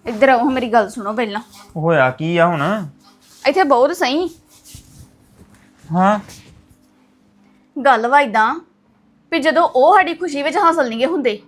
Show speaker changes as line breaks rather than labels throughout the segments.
ਇੱਧਰ ਆਓ ਮੇਰੀ ਗੱਲ ਸੁਣੋ ਪਹਿਲਾਂ।
ਹੋਇਆ ਕੀ ਆ ਹੁਣ?
ਇੱਥੇ ਬਹੁਤ ਸਹੀ
ਹਾਂ
ਗੱਲ ਵਾ ਇਦਾਂ ਵੀ ਜਦੋਂ ਉਹ ਸਾਡੀ ਖੁਸ਼ੀ ਵਿੱਚ ਹਾਸਲ ਨਹੀਂਗੇ ਹੁੰਦੇ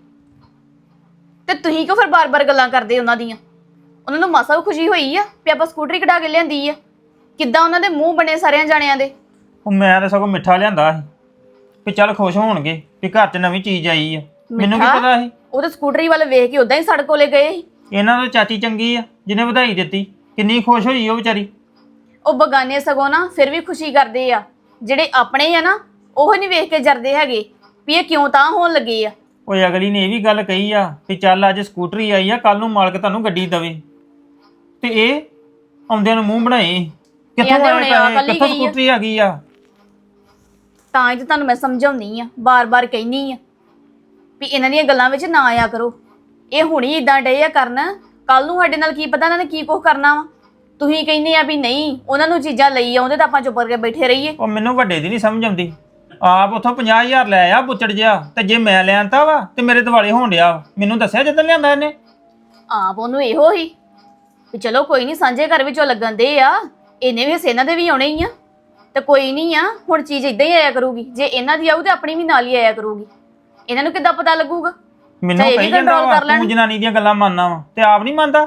ਤੇ ਤੁਸੀਂ ਕਿਉਂ ਫਿਰ ਬਾਰ-ਬਾਰ ਗੱਲਾਂ ਕਰਦੇ ਉਹਨਾਂ ਦੀਆਂ? ਉਹਨਾਂ ਨੂੰ ਮਾਸਾ ਵੀ ਖੁਸ਼ੀ ਹੋਈ ਆ ਵੀ ਆਪਾਂ ਸਕੂਟਰੀ ਕਢਾ ਕੇ ਲਿਆਂਦੀ ਆ। ਕਿੱਦਾਂ ਉਹਨਾਂ ਦੇ ਮੂੰਹ ਬਣੇ ਸਾਰਿਆਂ ਜਾਣਿਆਂ ਦੇ।
ਉਹ ਮੈਂ ਤਾਂ ਸਗੋਂ ਮਿੱਠਾ ਲਿਆਂਦਾ ਸੀ ਵੀ ਚੱਲ ਖੁਸ਼ ਹੋਣਗੇ ਵੀ ਘਰ 'ਚ ਨਵੀਂ ਚੀਜ਼ ਆਈ ਆ। ਮੈਨੂੰ ਕੀ ਪਤਾ ਸੀ
ਉਹ ਤਾਂ ਸਕੂਟਰੀ ਵੱਲ ਵੇਖ ਕੇ ਉਦਾਂ ਹੀ ਸੜਕ ਕੋਲੇ ਗਏ ਸੀ।
ਇਹਨਾਂ ਦੀ ਚਾਚੀ ਚੰਗੀ ਆ ਜਿਹਨੇ ਵਧਾਈ ਦਿੱਤੀ। ਕਿੰਨੀ ਖੁਸ਼ ਹੋਈ ਉਹ ਵਿਚਾਰੀ।
ਉਹ ਬਗਾਨੇ ਸਗੋਂ ਨਾ ਫਿਰ ਵੀ ਖੁਸ਼ੀ ਕਰਦੇ ਆ। ਜਿਹੜੇ ਆਪਣੇ ਆ ਨਾ ਉਹ ਨਹੀਂ ਵੇਖ ਕੇ ਜਰਦੇ ਹੈਗੇ ਵੀ ਇਹ ਕਿਉਂ ਤਾਂ ਹੋਣ ਲੱਗੇ ਆ।
ਓਏ ਅਗਲੀ ਨੇ ਇਹ ਵੀ ਗੱਲ ਕਹੀ ਆ ਵੀ ਚੱਲ ਅੱਜ ਸਕੂਟਰੀ ਆਈ ਆ, ਕੱਲ ਨੂੰ ਮਾਲਕ ਤੁਹਾਨੂੰ ਗੱਡੀ ਦਵੇ। ਤੇ ਇਹ ਆਉਂਦਿਆਂ ਨੂੰ ਮੂੰਹ ਬਣਾਏ ਕਿੱਥੋਂ ਆਏ ਪੈਸੇ, ਕਿੱਥੋਂ ਸਕੂਟਰੀ ਆ ਗਈ ਆ।
ਤਾਂ ਹੀ ਤਾਂ ਤੁਹਾਨੂੰ ਮੈਂ ਸਮਝਾਉਣੀ ਆ, ਬਾਰ-ਬਾਰ ਕਹਿਨੀ ਆ ਵੀ ਇਹਨਾਂ ਦੀਆਂ ਗੱਲਾਂ ਵਿੱਚ ਨਾ ਆਇਆ ਕਰੋ। ਇਹ ਹੁਣੀ ਇਦਾਂ ਡੇ ਆ ਕਰਨ, ਕੱਲ ਨੂੰ ਸਾਡੇ ਨਾਲ ਕੀ ਪਤਾ ਇਹਨਾਂ ਨੇ ਕੀ ਕੁਝ ਕਰਨਾ ਵਾ। ਤੁਸੀਂ ਕਹਿੰਦੇ ਆ ਵੀ ਨਹੀਂ ਉਹਨਾਂ ਨੂੰ ਚੀਜ਼ਾਂ ਲਈ ਆਉਂਦੇ ਤਾਂ ਆਪਾਂ ਚੁੱਪ ਕਰਕੇ ਬੈਠੇ ਰਹੀਏ।
ਉਹ ਮੈਨੂੰ ਵੱਡੇ ਦੀ ਨਹੀਂ ਸਮਝ ਆਉਂਦੀ। ਆਪ ਉੱਥੋਂ 50,000 ਲੈ ਆ ਬੁੱਚੜ ਜਿਹਾ, ਤੇ ਜੇ ਮੈਂ ਲਿਆਂਤਾ ਵਾ ਤੇ ਮੇਰੇ ਦਿਵਾਲੇ ਹੋਣ ਡਿਆ। ਮੈਨੂੰ ਦੱਸਿਆ ਜਦੋਂ ਲਿਆਂਦਾ ਇਹਨੇ।
ਆਪ ਉਹਨੂੰ ਇਹੋ ਹੀ ਵੀ ਚਲੋ ਕੋਈ ਨਹੀਂ ਸਾਂਝੇ ਘਰ ਵਿੱਚੋਂ ਲੱਗਣ ਦੇ ਆ, ਇਹਨੇ ਵੀ ਹਿੱਸੇ ਇਹਨਾਂ ਦੇ ਵੀ ਆਉਣੇ ਹੀ ਆ। ਤੇ ਕੋਈ ਨਹੀਂ ਆ ਹੁਣ ਚੀਜ਼ ਇਦਾਂ ਹੀ ਆਇਆ ਕਰੂਗੀ। ਜੇ ਇਹਨਾਂ ਦੀ ਆਊ ਤੇ ਆਪਣੀ ਵੀ ਨਾਲ ਹੀ ਆਇਆ ਕਰੂਗੀ। ਇਹਨਾਂ ਨੂੰ ਕਿੱਦਾਂ ਪਤਾ ਲੱਗੂਗਾ?
ਮੈਨੂੰ ਕਹੀ ਜਾਂਦਾ ਵਾ ਤੂੰ ਜਨਾਨੀ ਦੀਆਂ ਗੱਲਾਂ ਮੰਨਣਾ ਵਾ ਤੇ ਆਪ ਨਹੀਂ ਮੰਨਦਾ।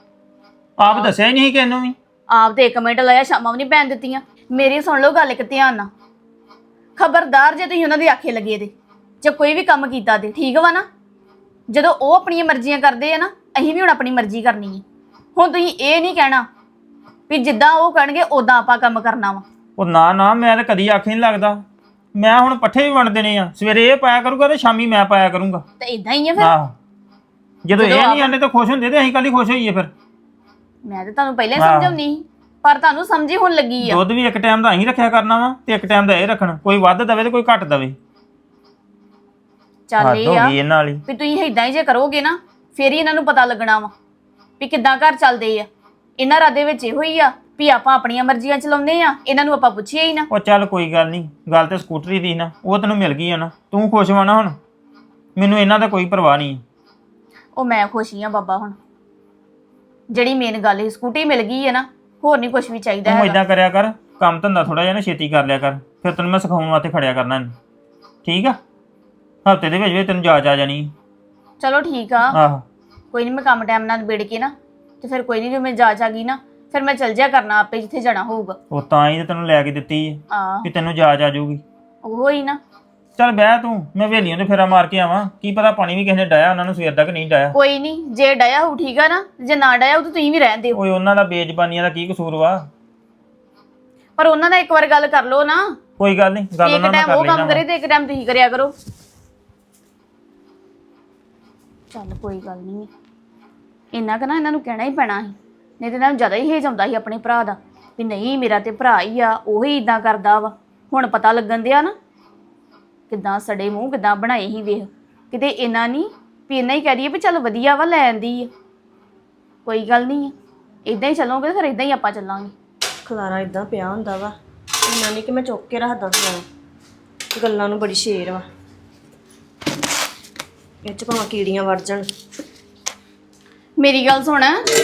ਆਪ ਦੱਸਿਆ ਹੀ ਨਹੀਂ ਕਿਹਨੂੰ ਵੀ।
ਆਪ ਤੇ 1 ਮਿੰਟ ਲਾਇਆ ਸ਼ਾਮਾਂ ਵੀ ਨਹੀਂ ਪੈਣ ਦਿੱਤੀਆਂ। ਮੇਰੀ ਸੁਣ ਲਓ ਗੱਲ ਇੱਕ ਧਿਆਨ ਨਾਲ। ਖਬਰਦਾਰ ਜੇ ਤੁਸੀਂ ਉਹਨਾਂ ਦੇ ਆਖੇ ਲੱਗੇ ਦੇ ਜੇ ਕੋਈ ਵੀ ਕੰਮ ਕੀਤਾ ਤੇ ਠੀਕ ਵਾ ਨਾ। ਜਦੋਂ ਉਹ ਆਪਣੀਆਂ ਮਰਜ਼ੀਆਂ ਕਰਦੇ ਆ ਨਾ ਅਸੀਂ ਵੀ ਹੁਣ ਆਪਣੀ ਮਰਜ਼ੀ ਕਰਨੀ ਹੈ। ਹੁਣ ਤੁਸੀਂ ਇਹ ਨਹੀਂ ਕਹਿਣਾ ਵੀ ਜਿੱਦਾਂ ਉਹ ਕਹਿਣਗੇ ਉਦਾਂ ਆਪਾਂ ਕੰਮ ਕਰਨਾ ਵਾ।
ਉਹ ਨਾ ਨਾ ਮੈਂ ਤਾਂ ਕਦੀ ਆਖੇ ਨਹੀਂ ਲੱਗਦਾ। ਮੈਂ ਹੁਣ ਪੱਠੇ ਵੀ ਵੰਡ ਦੇਣੇ ਆ। ਸਵੇਰੇ ਇਹ ਪਾਇਆ ਕਰੂਗਾ ਤੇ ਸ਼ਾਮੀ ਮੈਂ ਪਾਇਆ ਕਰੂੰਗਾ।
ਤੇ ਇਦਾਂ ਹੀ ਆ ਫਿਰ।
ਆਹ ਜਦੋਂ ਇਹ ਨਹੀਂ ਆਨੇ ਤਾਂ ਖੁਸ਼ ਹੁੰਦੇ ਤੇ ਅਸੀਂ ਕੱਲ ਹੀ ਖੁਸ਼ ਹੋਈਏ ਫਿਰ।
ਮੈਂ ਤਾਂ ਤੁਹਾਨੂੰ ਪਹਿਲਾਂ ਹੀ ਸਮਝਾਉਣੀ ਸੀ ਪਰ ਤੁਹਾਨੂੰ ਸਮਝੀ ਹੁਣ ਲੱਗੀ ਆ।
ਦੁੱਧ ਵੀ ਇੱਕ ਟਾਈਮ ਦਾ ਅਸੀਂ ਰੱਖਿਆ ਕਰਨਾ ਵਾ ਤੇ ਇੱਕ ਟਾਈਮ ਦਾ ਇਹ ਰੱਖਣ। ਕੋਈ ਵੱਧ ਦਵੇ ਤੇ ਕੋਈ ਘੱਟ ਦਵੇ।
ਚੱਲ ਇਹ ਆ
ਇਹਨਾਂ ਵਾਲੀ
ਵੀ ਤੁਸੀਂ ਇਦਾਂ ਹੀ ਜੇ ਕਰੋਗੇ ਨਾ ਫੇਰ ਹੀ ਇਹਨਾਂ ਨੂੰ ਪਤਾ ਲੱਗਣਾ ਵਾ ਵੀ ਕਿੱਦਾਂ ਘਰ ਚੱਲਦੇ ਆ। ਇਹਨਾਂ ਰਾਦੇ ਵਿੱਚ ਇਹੋ ਹੀ ਆ ਵੀ ਆਪਾਂ ਆਪਣੀਆਂ ਮਰਜ਼ੀਆਂ ਚਲਾਉਂਦੇ ਆ, ਇਹਨਾਂ ਨੂੰ ਆਪਾਂ ਪੁੱਛੀਏ ਹੀ ਨਾ।
ਉਹ ਚੱਲ ਕੋਈ ਗੱਲ ਨਹੀਂ। ਗੱਲ ਤੇ ਸਕੂਟਰੀ ਦੀ ਨਾ, ਉਹ ਤੈਨੂੰ ਮਿਲ ਗਈ ਆ ਨਾ, ਤੂੰ ਖੁਸ਼ ਹੋਣਾ ਹੁਣ। ਮੈਨੂੰ ਇਹਨਾਂ ਦਾ ਕੋਈ ਪਰਵਾਹ ਨਹੀਂ।
ਉਹ ਮੈਂ ਖੁਸ਼ ਹੀ ਆ ਬਾਬਾ। ਹੁਣ ਜਿਹੜੀ ਮੇਨ ਗੱਲ ਹੈ ਸਕੂਟੀ ਮਿਲ ਗਈ ਹੈ ਨਾ, ਹੋਰ ਨਹੀਂ ਕੁਝ ਵੀ ਚਾਹੀਦਾ
ਤੂੰ
ਹੈਗਾ।
ਇਦਾਂ ਕਰਿਆ ਕਰ, ਕੰਮ ਧੰਦਾ ਥੋੜਾ ਜਿਹਾ ਨਾ ਛੇਤੀ ਕਰ ਲਿਆ ਕਰ। ਫਿਰ ਤੈਨੂੰ ਮੈਂ ਸਿਖਾਉਣ ਵਾਸਤੇ ਖੜਿਆ ਕਰਨਾ ਇਹਨੂੰ। ਠੀਕ ਆ? ਹਫ਼ਤੇ ਦੇ ਵਿੱਚ ਤੈਨੂੰ ਜਾਚ ਆ ਜਾਣੀ।
ਚਲੋ ਠੀਕ ਆ।
ਆਹੋ
ਕੋਈ ਨਹੀਂ ਮੈਂ ਕੰਮ ਟਾਈਮ ਨਾਲ ਨਿਬੇੜ ਕੇ ਨਾ ਤੇ ਫਿਰ ਕੋਈ ਨਹੀਂ, ਜੋ ਮੈਂ ਜਾਚ ਆ ਗਈ ਨਾ ਫਿਰ ਮੈਂ ਚੱਲ ਜਿਆ ਕਰਨਾ ਆਪੇ ਜਿੱਥੇ ਜਾਣਾ ਹੋਊਗਾ।
ਉਹ ਤਾਂ ਹੀ ਤੈਨੂੰ ਲੈ ਕੇ ਦਿੱਤੀ ਹੈ
ਆ
ਕਿ ਤੈਨੂੰ ਜਾਚ ਆ ਜਾਊਗੀ।
ਉਹ ਹੀ ਨਾ।
ਚੱਲ ਬਹਿ ਤੂੰ, ਮੈਂ ਹਵੇਲੀਆਂ ਤੇ ਫੇਰਾ ਮਾਰ ਕੇ ਆਵਾਂ। ਕੀ ਪਤਾ ਪਾਣੀ ਵੀ ਕਿਸੇ ਨੇ ਡਾਇਆ ਉਹਨਾਂ ਨੂੰ ਸਵੇਰ ਤੱਕ ਨਹੀਂ ਡਾਇਆ।
ਕੋਈ ਨਹੀਂ, ਜੇ ਡਾਇਆ ਹੋਊ ਠੀਕ ਆ ਨਾ, ਜੇ ਨਾ ਡਾਇਆ ਹੋਊ ਤਾਂ ਤੁਸੀਂ ਵੀ ਰਹਿਣ ਦਿਓ।
ਓਏ ਉਹਨਾਂ ਦਾ ਬੇਜ਼ਬਾਨੀਆਂ ਦਾ ਕੀ ਕਸੂਰ ਵਾ?
ਪਰ ਉਹਨਾਂ ਨਾਲ ਇੱਕ ਵਾਰ ਗੱਲ ਕਰ ਲਓ ਨਾ।
ਕੋਈ ਗੱਲ ਨਹੀਂ, ਗੱਲ ਉਹਨਾਂ ਨਾਲ
ਇੱਕ
ਕਰ
ਟਾਈਮ ਉਹ ਕੰਮ
ਲੈਣਾ।
ਕਰੇ ਤੇ ਇੱਕ ਟਾਈਮ ਤੁਸੀਂ ਕਰਿਆ ਕਰੋ। ਚੱਲ ਕੋਈ ਗੱਲ ਨਹੀਂ। ਇੰਨਾ ਕੁ ਨਾ ਇਹਨਾਂ ਨੂੰ ਕਹਿਣਾ ਹੀ ਪੈਣਾ ਸੀ, ਨਹੀਂ ਤੇ ਇਹਨਾਂ ਨੂੰ ਜ਼ਿਆਦਾ ਹੀ ਹੇਜ ਆਉਂਦਾ ਸੀ ਆਪਣੇ ਭਰਾ ਦਾ ਵੀ ਨਹੀਂ ਮੇਰਾ ਤੇ ਭਰਾ ਹੀ ਆ, ਉਹੀ ਇਦਾਂ ਕਰਦਾ ਵਾ। ਹੁਣ ਪਤਾ ਲੱਗਣ ਦਿਆ ਨਾ ਕਿੱਦਾਂ ਸੜੇ ਮੂੰਹ ਕਿੱਦਾਂ ਬਣਾਏ ਹੀ। ਵੇਖ ਕਿਤੇ ਇੰਨਾ ਨਹੀਂ ਵੀ ਇੰਨਾ ਹੀ ਕਹਿ ਦਈਏ ਵੀ ਚੱਲ ਵਧੀਆ ਵਾ ਲੈ ਆਂਦੀ ਆ। ਕੋਈ ਗੱਲ ਨਹੀਂ ਆ, ਇਦਾਂ ਹੀ ਚੱਲੋਗੇ ਫਿਰ ਇਦਾਂ ਹੀ ਆਪਾਂ ਚੱਲਾਂਗੇ।
ਖਲਾਰਾ ਇਦਾਂ ਪਿਆ ਹੁੰਦਾ ਵਾ, ਇੰਨਾ ਨਹੀਂ ਕਿ ਮੈਂ ਚੁੱਕ ਕੇ ਰੱਖਦਾ ਖਲਾਰਾ। ਗੱਲਾਂ ਨੂੰ ਬੜੀ ਸ਼ੇਰ ਵਾ, ਇਹ 'ਚ ਭਾਵੇਂ ਕੀੜੀਆਂ ਵੜ ਜਾਣ।
ਮੇਰੀ ਗੱਲ ਸੁਣ,